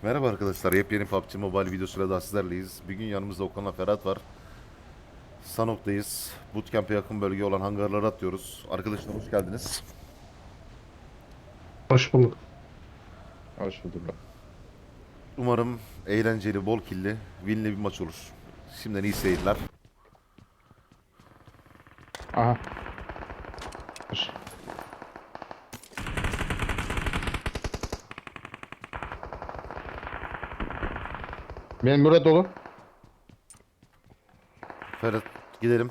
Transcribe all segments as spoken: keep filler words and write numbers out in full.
Merhaba arkadaşlar, yepyeni P U B G Mobile videosuyla daha sizlerleyiz. Bir gün yanımızda Okan'la Ferhat var. Sanok'tayız. Bootcamp'e yakın bölge olan hangarlara atıyoruz. Arkadaşlar hoş geldiniz. Hoş bulduk. Hoş bulduk. Umarım eğlenceli, bol killi, winli bir maç olur. Şimdiden iyi seyirler. Aha. Hoş. Benim burada dolu. Ferhat gidelim.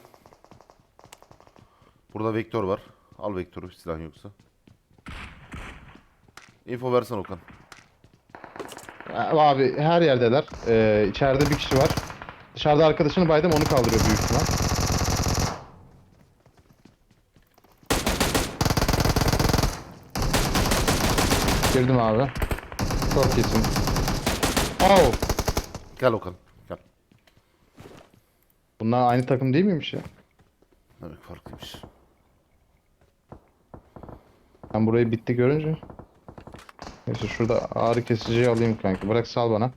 Burada vektör var. Al vektörü silah yoksa. Info versen Okan. Abi her yerdeler. Ee, içeride bir kişi var. Dışarıda arkadaşını baydım, onu kaldırıyor büyük ihtimal. Girdim abi. Çok iyisin. Oh! Gel Okan. Gel. Bunlar aynı takım değil miymiş ya? Evet, farklıymış. Ben burayı bitti görünce. Neyse şurada ağrı kesiciyi alayım kanka. Bırak, sal bana.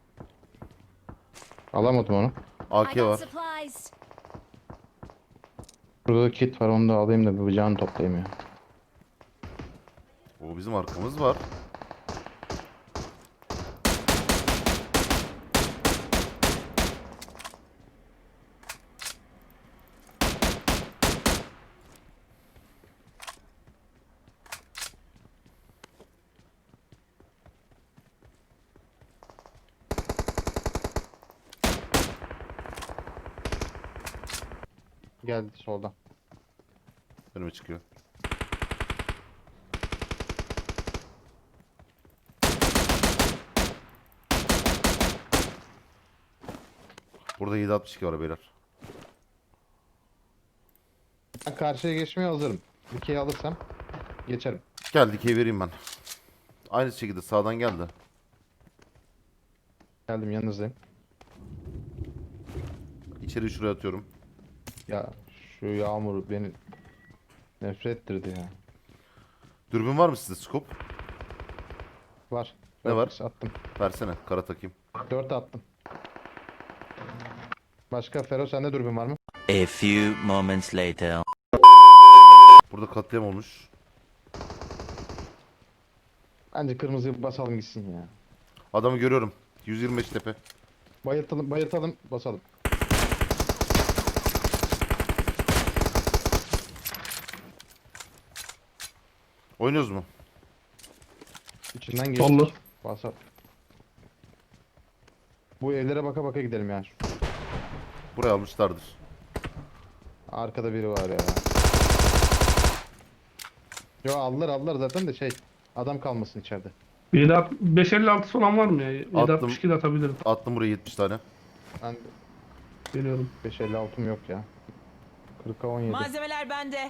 Alamadım onu. A I K got var. supplies. Burada da kit var, onu da alayım da bir bıçağını toplayayım ya. O bizim arkamız var. Geldi soldan. Önüme çıkıyor. Burada yedi altmış iki var beyler. Ben karşıya geçmeye hazırım. Dikeyi alırsam geçerim. Gel dikey vereyim ben. Aynı şekilde sağdan geldi. Geldim, yanınızdayım. İçeri şuraya atıyorum. Ya şu yağmur beni nefret ettirdi ya. Dürbün var mı sizde scope? Var. Ne Dört var? X attım. Versene kara takayım. Dört attım. Başka Fero, sende dürbün var mı? A few moments later. Burada katliam olmuş. Bence kırmızıyı basalım gitsin ya. Adamı görüyorum. yüz yirmi beş tepe. Bayıltalım, bayıltalım, basalım. Oynuyoruz mu? İçinden geçtik. Sollu. Basalım. Bu evlere baka baka gidelim ya. Buraya almışlardır. Arkada biri var ya. Yo, aldılar aldılar zaten de şey. Adam kalmasın içeride. beş elli altı olan var mı ya? Attım. yedi altmış iki de atabilirim. Attım buraya yetmiş tane. Ben Geliyorum. beş elli altım yok ya. kırka on yedi. Malzemeler bende.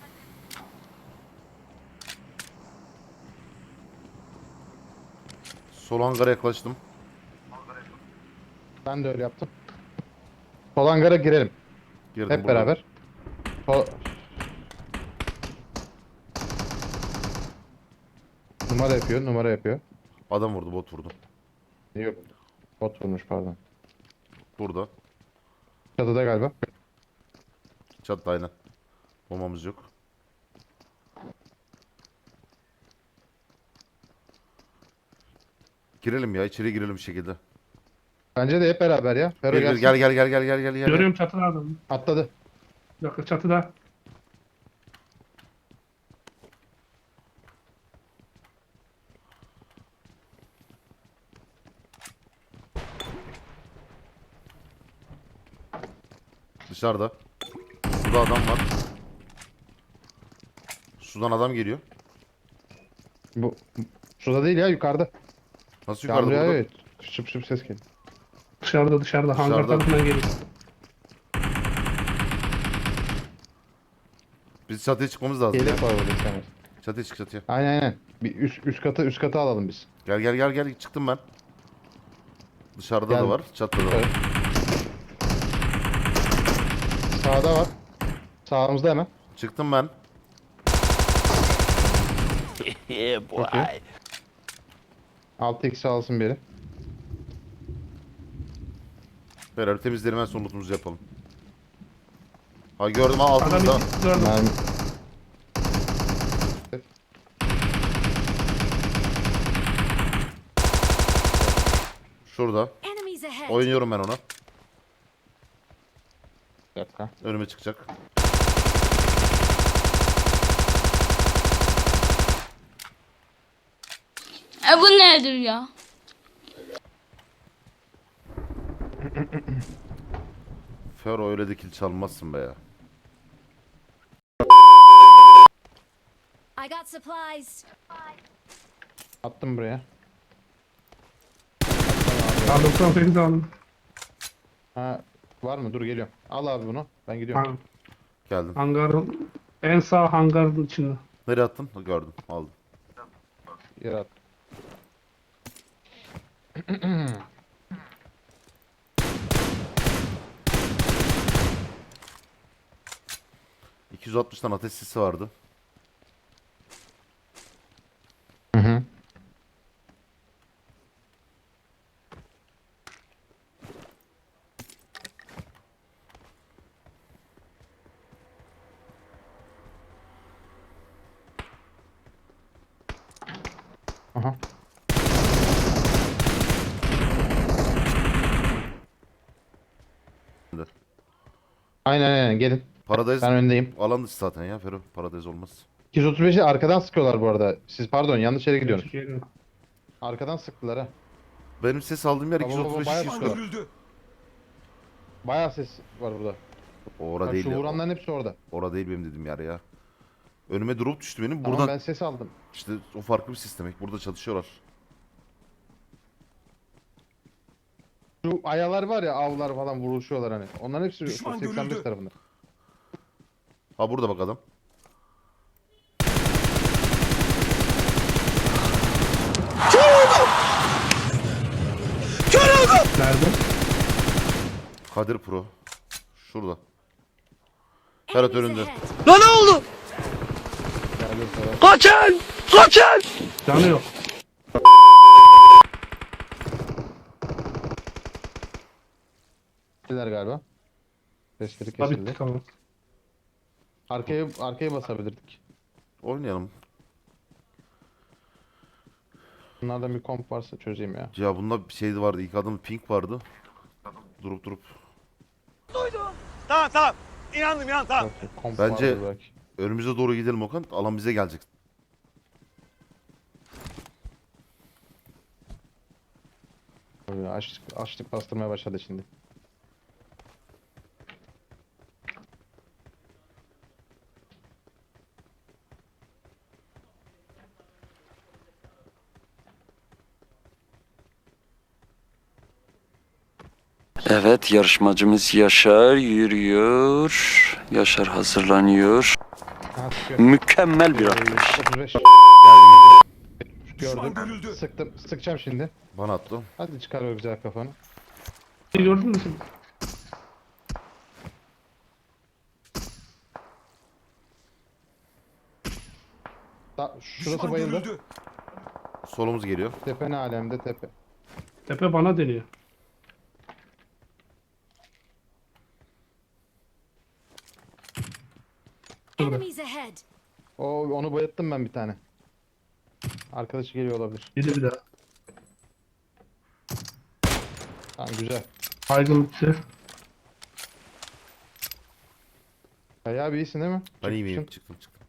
Sol hangara yaklaştım. Ben de öyle yaptım. Sol hangara girelim. Girdim Hep burada. beraber. Sol... Numara yapıyor, numara yapıyor. Adam vurdu, bot vurdu. Yok. Bot vurmuş, pardon. Burada. Çatıda galiba. Çattı aynen. Bombamız yok. Girelim ya, içeri girelim bir şekilde. Bence de hep beraber ya. Fero Gel gel gelsin. gel gel gel gel gel gel gel. Görüyorum çatıda adamı. Atladı. Bir dakika, çatıda. Dışarıda. Suda adam var. Sudan adam geliyor. Bu şurada değil ya, yukarıda. Nasıl yukarıda Yağmur burada? yağıyor. Şıp şıp ses geliyor. Dışarıda dışarıda. Hangar Dışarıda. tarafından geliyor. Biz çatıya çıkmamız lazım ya. Yelek var orada istemez. Çatıya çık çatıya. Aynen aynen. Bir üst, üst katı üst katı alalım biz. Gel gel gel gel çıktım ben. Dışarıda Gel. da var, çatıda da var. Evet. Sağda var. Sağımızda hemen. Çıktım ben. Yeah, boy. Okey. altı x alsın biri. Beraber temizleyelim, en son lootumuzu yapalım. Ha gördüm, ha Adam altımızda. iki gördüm. Mermi. Şurada. Enemies ahead. Oynuyorum ben ona. Bir dakika. Önüme çıkacak. E bu nedir ya? Fero, öyle de kill çalmazsın be ya. I got supplies. Attım buraya. Ben doksan sekiz aldım. Ha var mı? Dur geliyorum. Al abi bunu. Ben gidiyorum. Ha, Geldim. hangarın en sağ hangarın içinde. Nereye attın? Ha, gördüm. Aldım. Yere at. iki yüz altmıştan ateş sisi vardı. Hı hı. Aha. Aynen aynen gelin. Paradise Ben öndeyim. alan dışı zaten ya Fero. Paradise olmaz. iki yüz otuz beşi arkadan sıkıyorlar bu arada. Siz pardon yanlış yere gidiyorsunuz. Geliyor. Arkadan sıktılar ha. Benim ses aldığım yer Baba, baba, iki yüz otuz beş bayağı iki yüz sıkıyorlar. Bayağı ses var burada. Ora Bak değil şu ya. vuranların hepsi orada. Ora değil benim dediğim yer ya. Önüme drop düştü benim. Tamam Buradan ben ses aldım. işte o farklı bir sistem. Burada çalışıyorlar. Şu ayalar var ya avlar falan vuruşuyorlar hani. Onların hepsi seksen beş tarafında. Ha burada bak adam. Nerede? Kadir Pro. Şurada. Ferhat Enemies önünde. ahead. Geldim sana. Canı yok. Kestiler galiba. Sesleri Tabii kesildi. tamam. Arkaya arkaya basabilirdik. Oynayalım. Bunlardan bir komp varsa çözeyim ya. Ya bunda bir şeydi vardı. İlk adamın pink vardı. Durup durup. Tamam tamam. İnandım inandım tamam. Yok, yok, komp Bence- vardır belki. Önümüze doğru gidelim Okan. Alan bize gelecek. Tabii, Açlık, açlık bastırmaya başladı şimdi. Evet, yarışmacımız Yaşar yürüyor. Yaşar hazırlanıyor. Ha, sıkıyor. Mükemmel bir Ee, atış. otuz beş Geldiğimiz yer. gördüm. Sıktım. Sıkacağım şimdi. Bana attı. Hadi çıkar o güzel kafanı. Gördün mü sen? Da, şurası bayıldı. Solumuz geliyor. Tepe ne alemde tepe. Tepe bana deniyor. Enemies ahead. O onu bayılttım ben bir tane. Arkadaşı geliyor olabilir. Yedi bir daha. Tamam güzel. Baygın bitti. Ya abi iyisin değil mi? Ben iyi miyim? Çıkmışsın. Çıktım çıktım.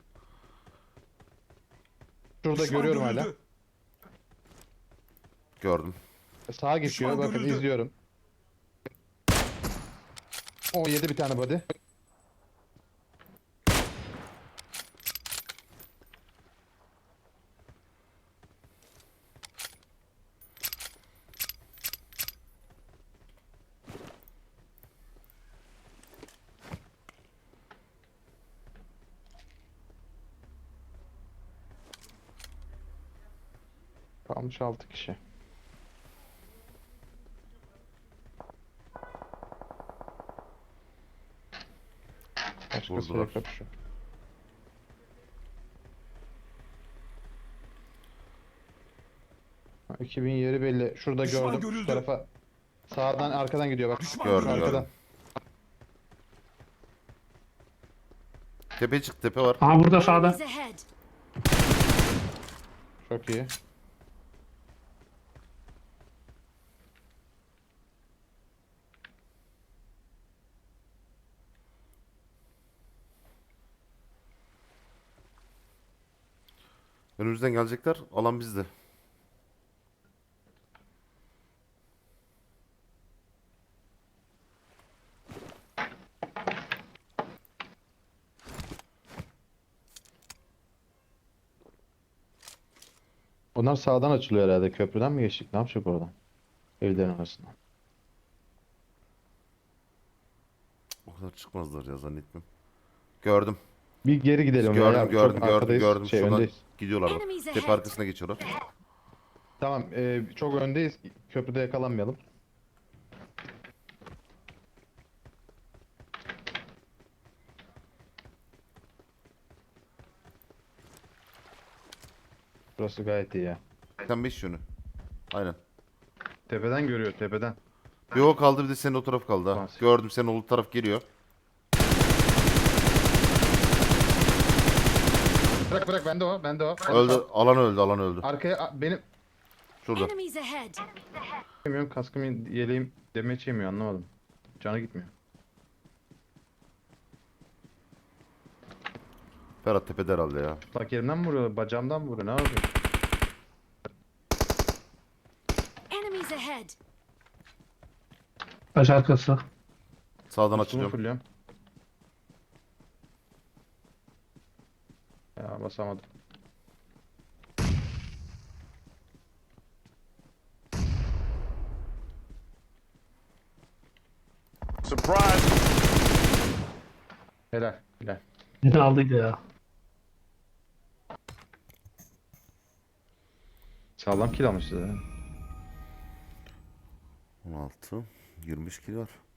Şurada görüyorum hala. Gördüm. Sağa geçiyor. Bakın izliyorum. O yedi bir tane body. Kalmış altı kişi. Başkası Vurdular. yok şu. Ha, iki bin yeri belli. Şurada gördüm. Şu tarafa Sağdan arkadan gidiyor bak. Gördüm, Arkadan. gördüm. Tepe çık, tepe var. Aha burada sağda. Enemies ahead. Çok iyi. Önümüzden gelecekler. Alan bizde. Onlar sağdan açılıyor herhalde. Köprüden mi geçtik? Ne yapacak oradan? Evlerin arasından. O kadar çıkmazlar ya, zannetmiyorum. Gördüm. Bir geri gidelim. Gördüm, beyler. gördüm, Çok gördüm, arkadayız. gördüm. Şey, Şuradan öndeyiz. gidiyorlar bak. Enemies Tepe ahead. arkasına geçiyorlar. Tamam. e, çok öndeyiz. Köprüde yakalanmayalım. Burası gayet iyi ya. seksen beş yönü. Aynen. Tepeden görüyor, tepeden. Bir o kaldı, bir de senin o taraf kaldı ha. Tamam. Gördüm, senin o taraf geliyor. Bırak bırak, bende o, bende o. Öldü, alan öldü, alan öldü. Arkaya a- benim Şurada. Enemies ahead. yemiyorum, kaskım yeleğim demeç yemiyor, anlamadım. Canı gitmiyor. Ferhat tepede herhalde ya. Bak yerimden mi vuruyor, bacağımdan mı vuruyor, ne yapıyor? Enemies ahead. Taş arkası. Sağdan Üstümü açılıyorum. fulluyorum. Ya basamadım. Surprise. Helal, helal. Yine aldıydı ya. Sağlam kill almışız ha. on altı. yirmi beş kilo var.